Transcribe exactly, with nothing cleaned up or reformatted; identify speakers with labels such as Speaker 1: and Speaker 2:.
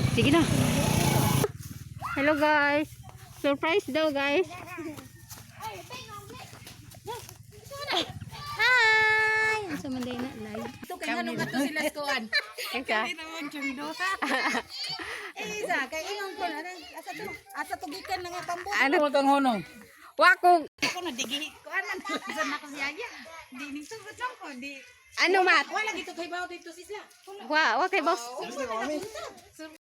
Speaker 1: Sige na. Hello guys. Surprise daw guys. Hi! Sa Manday na live.
Speaker 2: Ito kay nganong ato sila skuan.
Speaker 1: Kaya
Speaker 2: naman chundo. Eh isa kay ingon ko na asa to asa to gikan nga tambo.
Speaker 1: ano
Speaker 3: Ano kang honong?
Speaker 1: wako
Speaker 2: Ako na digi ko anan sa na ko siya. Di ni sugot lang ko di.
Speaker 1: ano mat?
Speaker 2: Wala gito kay bawo dito sila.
Speaker 1: Wa, wa kay boss.